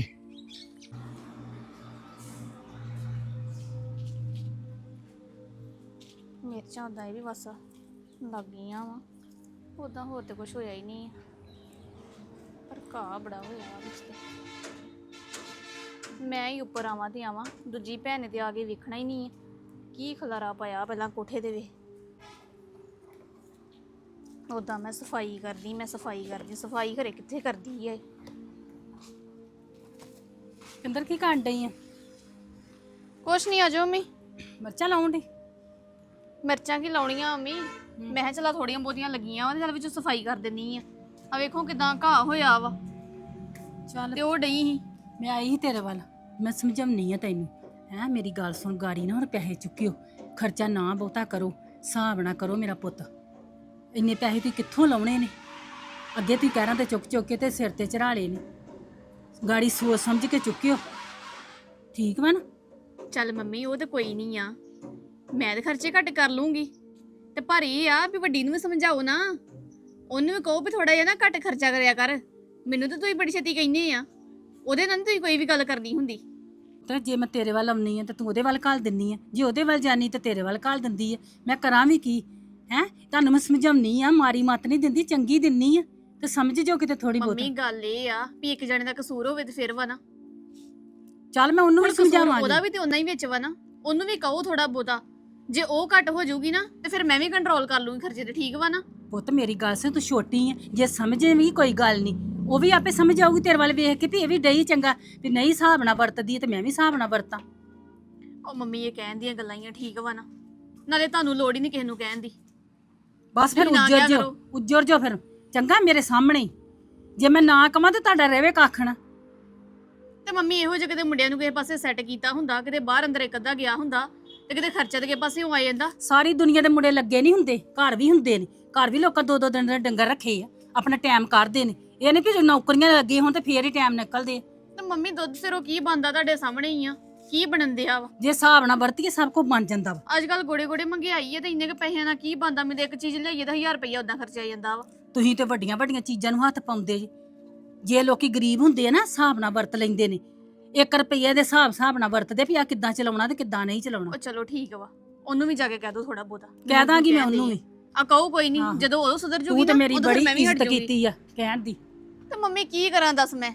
ਮਿਰਚਾਂ ਉਦਾਂ ਹੀ ਵੀ ਬਸ ਲੱਗ ਗਈਆਂ ਵਾ, ਉਦਾਂ ਹੋਰ ਤੇ ਕੁਝ ਹੋਇਆ ਹੀ ਨਹੀਂ। ਪਰ ਘਾਹ ਬੜਾ ਹੋਇਆ ਵਾ ਵਿੱਚ ਤੇ। ਮੈਂ ਹੀ ਉੱਪਰ ਆਵਾਂ ਤੇ ਆਵਾਂ, ਦੂਜੀ ਭੈਣ ਨੇ ਤੇ ਆ ਕੇ ਵੇਖਣਾ ਹੀ ਨਹੀਂ ਹੈ ਕੀ ਖਲਾਰਾ ਪਾਇਆ ਪਹਿਲਾਂ ਕੋਠੇ ਦੇ ਵੇ। ਉਦਾਂ ਮੈਂ ਸਫਾਈ ਕਰਦੀ ਸਫਾਈ ਘਰੇ ਕਿੱਥੇ ਕਰਦੀ ਹੈ।
ਕਿੰਦਰ ਕੀ ਕਰਨ ਡਈ ਆ?
ਕੁਛ ਨਹੀਂ, ਆਜੋ ਮੰਮੀ।
ਮਿਰਚਾਂ ਲਾਉਣ ਡਈ?
ਮਿਰਚਾਂ ਕੀ ਲਾਉਣੀਆਂ ਮੰਮੀ, ਮੈਂ ਕਿਹਾ ਚਲਾ ਥੋੜੀਆਂ ਬਹੁਤੀਆਂ ਲੱਗੀਆਂ ਵਾ ਤੇ ਚੱਲ ਵਿੱਚੋਂ ਸਫਾਈ ਕਰ ਦਿੰਨੀ ਆ ਵੇਖੋ ਕਿਦਾਂ ਘਾਹ ਹੋਇਆ ਵਾ।
ਚੱਲ
ਤੇ ਉਹ ਡਈ ਸੀ।
ਮੈਂ ਆਈ ਸੀ ਤੇਰੇ ਵੱਲ, ਮੈਂ ਸਮਝਾਉਣੀ ਆ ਤੈਨੂੰ। ਹੈਂ ਮੇਰੀ ਗੱਲ ਸੁਣ, ਗਾੜੀ ਨਾ ਹੁਣ ਪੈਸੇ ਚੁੱਕਿਓ, ਖਰਚਾ ਨਾ ਬਹੁਤਾ ਕਰੋ, ਹਿਸਾਬ ਨਾ ਕਰੋ ਮੇਰਾ ਪੁੱਤ। ਇੰਨੇ ਪੈਸੇ ਤੁਸੀਂ ਕਿੱਥੋਂ ਲਾਉਣੇ ਨੇ? ਅੱਗੇ ਤੁਸੀਂ ਕਹਿਰਾਂ ਤੇ ਚੁੱਕ ਚੁੱਕ ਕੇ ਤੇ ਸਿਰ ਤੇ ਚੜਾ ਲਏ ਨੇ। ਗਾੜੀ ਸੋਚ ਸਮਝ ਕੇ ਚੁੱਕਿਓ, ਠੀਕ ਵਾ ਨਾ?
ਚੱਲ ਮੰਮੀ ਉਹ ਤੇ ਕੋਈ ਨਹੀਂ ਆ, ਮੈਂ ਤੇ ਖਰਚੇ ਘੱਟ ਕਰ ਲੂੰਗੀ। ਤੇ ਪਰ ਇਹ ਆ ਵੀ ਵੱਡੀ ਨੂੰ ਵੀ ਸਮਝਾਓ ਨਾ, ਉਹਨੂੰ ਵੀ ਕਹੋ ਵੀ ਥੋੜਾ ਜਿਹਾ ਨਾ ਘੱਟ ਖਰਚਾ ਕਰਿਆ ਕਰ। ਮੈਨੂੰ ਤਾਂ ਤੁਸੀਂ ਬੜੀ ਛੇਤੀ ਕਹਿੰਦੇ ਆ, ਉਹਦੇ ਨਾਲ ਨੀ ਤੁਸੀਂ ਕੋਈ ਵੀ ਗੱਲ ਕਰਨੀ ਹੁੰਦੀ।
ਤੇ ਜੇ ਮੈਂ ਤੇਰੇ ਵੱਲ ਆਉਣੀ ਆ ਤੇ ਤੂੰ ਉਹਦੇ ਵੱਲ ਘੱਲ ਦਿੰਨੀ ਆ, ਜੇ ਉਹਦੇ ਵੱਲ ਜਾਨੀ ਤੇ ਤੇਰੇ ਵੱਲ ਘੱਲ ਦਿੰਦੀ ਆ। ਮੈਂ ਕਰਾਂ ਵੀ ਕੀ ਹੈ? ਤੁਹਾਨੂੰ ਮੈਂ ਸਮਝਾਉਣੀ ਆ, ਮਾਰੀ ਮੱਤ ਨਹੀਂ ਦਿੰਦੀ, ਚੰਗੀ ਦਿੰਨੀ ਆ ਤੇ ਸਮਝ ਜੋ ਕਿਤੇ ਥੋੜੀ ਬਹੁਤ।
ਮੰਮੀ ਗੱਲ ਇਹ ਆ ਵੀ ਇੱਕ ਜਣੇ ਦਾ ਕਸੂਰ ਹੋਵੇ ਤੇ ਫਿਰ ਵਾ ਨਾ।
ਚੱਲ ਮੈਂ ਉਹਨੂੰ ਵੀ
ਹੁਣ ਕਸੂਰ
ਸਮਝਾਵਾਂਗੀ।
ਉਹਦਾ ਵੀ ਤੇ ਉਹਨਾਂ ਹੀ ਵਿੱਚ ਵਾ ਨਾ, ਉਹਨੂੰ ਵੀ ਕਹੋ ਥੋੜਾ ਬਹੁਤਾ। ਜੇ ਉਹ ਘੱਟ ਹੋ ਜਾਊਗੀ ਨਾ ਤੇ ਫਿਰ ਮੈਂ ਵੀ ਕੰਟਰੋਲ ਕਰ ਲੂੰਗੀ ਖਰਚੇ ਤੇ, ਠੀਕ ਵਾ ਨਾ?
ਪੁੱਤ ਮੇਰੀ ਗੱਲ ਸੁਣ, ਤੂੰ ਛੋਟੀ ਆ, ਜੇ ਸਮਝੇ ਵੀ ਕੋਈ ਗੱਲ ਨਹੀਂ, ਉਹ ਵੀ ਆਪੇ ਸਮਝ ਆਊਗੀ ਤੇਰੇ ਵੱਲ ਵੇਖ ਕੇ ਵੀ ਇਹ ਵੀ ਡਈ ਚੰਗਾ, ਵੀ ਨਹੀਂ ਹਿਸਾਬ ਨਾਲ ਵਰਤਦੀ ਤੇ ਮੈਂ ਵੀ ਹਿਸਾਬ ਨਾਲ ਵਰਤਾਂ।
ਉਹ ਮੰਮੀ ਇਹ ਕਹਿਣ ਦੀਆਂ ਗੱਲਾਂ ਹੀ ਆ, ਠੀਕ ਵਾ ਨਾ? ਨਾਲੇ ਤੁਹਾਨੂੰ ਲੋੜ ਹੀ ਨਹੀਂ ਕਿਸੇ ਨੂੰ ਕਹਿਣ ਦੀ।
ਬਸ ਫਿਰ
ਤੁਸੀਂ ਨਾ ਕਿਹਾ
ਉੱਜੜ
ਕਰੋ।
ਉੱਜੜ ਜੋ ਫਿਰ ਚੰਗਾ ਮੇਰੇ ਸਾਹਮਣੇ ਹੀ। ਜੇ ਮੈਂ ਨਾ ਕਵਾਂ ਤੇ ਤੁਹਾਡਾ ਰਵੇ ਕੱਖ ਨਾ।
ਤੇ ਮੰਮੀ ਇਹੋ ਜਿਹੇ ਕਿਤੇ ਮੁੰਡਿਆਂ ਨੂੰ ਕਿਸੇ ਪਾਸੇ ਸੈੱਟ ਕੀਤਾ ਹੁੰਦਾ, ਕਿਤੇ ਬਾਹਰ ਅੰਦਰ ਇੱਕ ਅੱਧਾ ਗਿਆ ਹੁੰਦਾ ਤੇ ਕਿਤੇ ਖਰਚਾ ਤੇ ਕਿਸੇ ਪਾਸੇ ਆ ਜਾਂਦਾ।
ਸਾਰੀ ਦੁਨੀਆ ਦੇ ਮੁੰਡੇ ਲੱਗੇ ਨਹੀਂ ਹੁੰਦੇ, ਘਰ ਵੀ ਹੁੰਦੇ ਨੇ। ਘਰ ਵੀ ਲੋਕਾਂ 2-2 ਦਿਨ ਦੇ ਡੰਗਰ ਰੱਖੇ ਆ, ਆਪਣਾ ਟਾਈਮ ਕੱਢਦੇ ਨੇ। ਇਹ ਨਹੀਂ ਕਿ ਨੌਕਰੀਆਂ ਲੱਗੇ ਹੋਣ ਤੇ ਫੇਰ ਹੀ ਟਾਈਮ ਨਿਕਲਦੇ।
ਤੇ ਮੰਮੀ ਦੁੱਧ ਸਿਰੋਂ ਕੀ ਬਣਦਾ ਤੁਹਾਡੇ ਸਾਹਮਣੇ ਹੀ ਆ, ਕੀ ਬਣਨ ਦਿਆ ਵਾ?
ਜੇ ਹਿਸਾਬ ਨਾਲ ਵਰਤੀਏ ਸਭ ਕੁਝ ਬਣ ਜਾਂਦਾ ਵਾ।
ਅੱਜ ਕੱਲ ਗੋੜੇ ਗੋੜੇ ਮਹਿੰਗਾਈ ਹੈ ਤੇ ਇੰਨੇ ਕ ਪੈਸਿਆਂ ਨਾਲ ਕੀ ਬਣਦਾ? ਮੈਨੂੰ ਇੱਕ ਚੀਜ਼ ਲਈਏ ਤਾਂ 1000 ਰੁਪਇਆ ਉਦਾਂ ਖਰਚਿਆ ਜਾਂਦਾ ਵਾ।
ਤੁਸੀਂ ਤੇ ਵੱਡੀਆਂ ਵੱਡੀਆਂ ਚੀਜ਼ਾਂ ਨੂੰ ਹੱਥ ਪਾਉਂਦੇ ਜੀ। ਜੇ ਲੋਕੀ ਗਰੀਬ ਹੁੰਦੇ ਆ ਨਾ, ਹਿਸਾਬ ਨਾਲ ਵਰਤ ਲੈਂਦੇ ਨੇ। 1 ਰੁਪਈਏ ਦੇ ਹਿਸਾਬ ਨਾਲ ਵਰਤਦੇ ਵੀ ਆ ਕਿੱਦਾਂ ਚਲਾਉਣਾ ਤੇ ਕਿੱਦਾਂ ਨਹੀਂ ਚਲਾਉਣਾ।
ਉਹ ਚਲੋ ਠੀਕ ਵਾ, ਉਹਨੂੰ ਵੀ ਜਾ ਕੇ ਕਹਿ ਦੋ ਥੋੜਾ ਬਹੁਤਾ।
ਕਹਿ ਦਾਂਗੀ ਮੈਂ ਉਹਨੂੰ ਵੀ।
ਆ ਕਹੋ ਕੋਈ ਨਹੀਂ,
ਹਾਂ।
ਜਦੋਂ ਉਹ ਸੁਧਰ ਜੂਗੀ
ਤੂੰ ਤੇ
ਨਾ
ਮੇਰੀ
ਉਦੋਂ ਫਿਰ
ਬੜੀ
ਮੈਂ ਵੀ ਹਟ
ਇੱਜ਼ਤ
ਜੂਗੀ।
ਕੀਤੀ ਆ ਕਹਿਣ ਦੀ।
ਤੇ ਮੰਮੀ ਕੀ ਕਰਾਂ ਦੱਸ ਮੈਂ?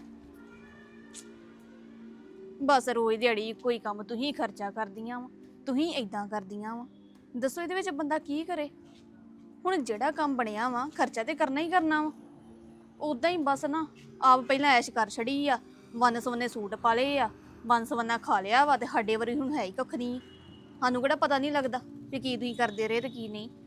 ਬਸ ਰੋਜ਼ ਦਿਹਾੜੀ ਇੱਕੋ ਹੀ ਕੰਮ, ਤੁਸੀਂ ਖਰਚਾ ਕਰਦੀਆਂ ਵਾ, ਤੁਸੀਂ ਏਦਾਂ ਕਰਦੀਆਂ ਵਾ। ਦੱਸੋ ਇਹਦੇ ਵਿੱਚ ਬੰਦਾ ਕੀ ਕਰੇ? ਹੁਣ ਜਿਹੜਾ ਕੰਮ ਬਣਿਆ ਵਾ ਖਰਚਾ ਤੇ ਕਰਨਾ ਹੀ ਕਰਨਾ ਵਾ। ਉਦਾਂ ਹੀ ਬਸ ਨਾ ਆਪ ਪਹਿਲਾਂ ਐਸ਼ ਕਰ ਛੜੀ ਆ, ਵੰਨ ਸਵੰਨੇ ਸੂਟ ਪਾ ਲਏ ਆ, ਵੰਨ ਸਵੰਨਾ ਖਾ ਲਿਆ ਵਾ, ਤੇ ਸਾਡੇ ਵਾਰੀ ਹੁਣ ਹੈ ਹੀ ਕੱਖ ਨਹੀਂ। ਸਾਨੂੰ ਕਿਹੜਾ ਪਤਾ ਨਹੀਂ ਲੱਗਦਾ ਵੀ ਕੀ ਤੁਸੀਂ ਕਰਦੇ ਰਹੇ ਤੇ ਕੀ ਨਹੀਂ।